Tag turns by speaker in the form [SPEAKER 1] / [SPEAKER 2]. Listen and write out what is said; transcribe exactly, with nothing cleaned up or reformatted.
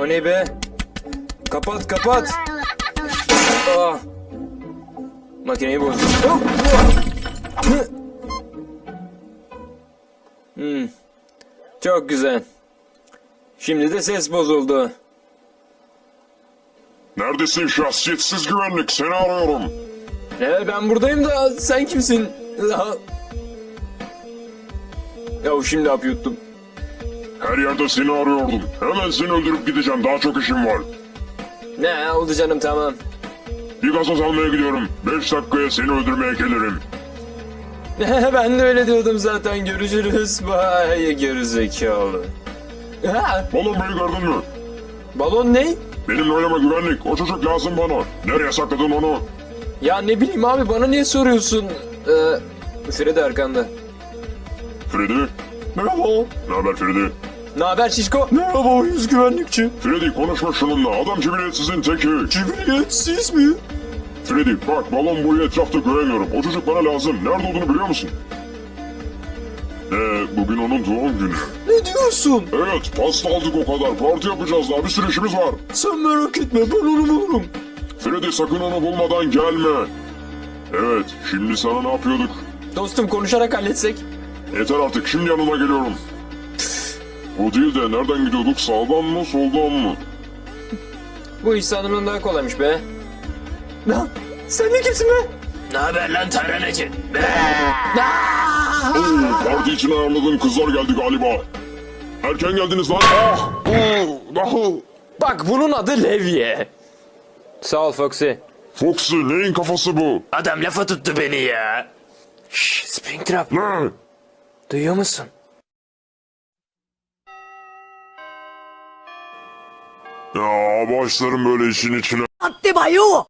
[SPEAKER 1] O ne be? Kapat kapat. Ah. Makineyi bozdum. Oh, oh. Hmm. Çok güzel. Şimdi de ses bozuldu.
[SPEAKER 2] Neredesin şahsiyetsiz güvenlik? Seni arıyorum.
[SPEAKER 1] Ee, ben buradayım da sen kimsin? Ya şimdi hap yuttum.
[SPEAKER 2] Her yerde seni arıyordum. Hemen seni öldürüp gideceğim. Daha çok işim var.
[SPEAKER 1] Ne oldu canım, tamam.
[SPEAKER 2] Bir gazoz almaya gidiyorum. Beş dakikaya seni öldürmeye gelirim.
[SPEAKER 1] Ben de öyle diyordum zaten. Görüşürüz. Bay gerizekalı. Ha,
[SPEAKER 2] Balon Bey'i gördün mü?
[SPEAKER 1] balon ne?
[SPEAKER 2] Benimle oynama güvenlik. O çocuk lazım bana. Nereye sakladın onu?
[SPEAKER 1] Ya ne bileyim abi, bana niye soruyorsun? Ee, Freddy arkanda.
[SPEAKER 2] Freddy?
[SPEAKER 1] Merhaba.
[SPEAKER 2] Ne haber Freddy?
[SPEAKER 1] Ne haber şişko? Merhaba yüz güvenlikçi.
[SPEAKER 2] Freddy konuşma şununla. Adam cibiliyetsizin teki.
[SPEAKER 1] Cibiliyetsiz mi?
[SPEAKER 2] Freddy bak, balon boyu etrafta göremiyorum. O çocuk bana lazım. Nerede olduğunu biliyor musun? Ee, bugün onun doğum günü.
[SPEAKER 1] Ne diyorsun?
[SPEAKER 2] Evet, pasta aldık o kadar. Parti yapacağız daha. Bir sürü işimiz var.
[SPEAKER 1] Sen merak etme, ben onu bulurum.
[SPEAKER 2] Freddy sakın onu bulmadan gelme. Evet, şimdi sana ne yapıyorduk?
[SPEAKER 1] Dostum, konuşarak halletsek.
[SPEAKER 2] Yeter artık, şimdi yanına geliyorum. Bu değil de nereden gidiyorduk? Sağdan mı, soldan mı?
[SPEAKER 1] Bu iş sanırım daha kolaymış be. Ne? Sen de kimsin be? Ne haber lan taranacı?
[SPEAKER 2] Oo, parti için ayarladığım kızlar geldi galiba. Erken geldiniz lan. Ah! Oo, ah!
[SPEAKER 1] Bak, bunun adı Levye. Sağ ol Foxy.
[SPEAKER 2] Foxy, neyin kafası bu?
[SPEAKER 1] Adam lafa tuttu beni ya. Şşş, Springtrap.
[SPEAKER 2] Ne?
[SPEAKER 1] Duyuyor musun?
[SPEAKER 2] Ya başlarım böyle işin içine.
[SPEAKER 3] Attı bayo.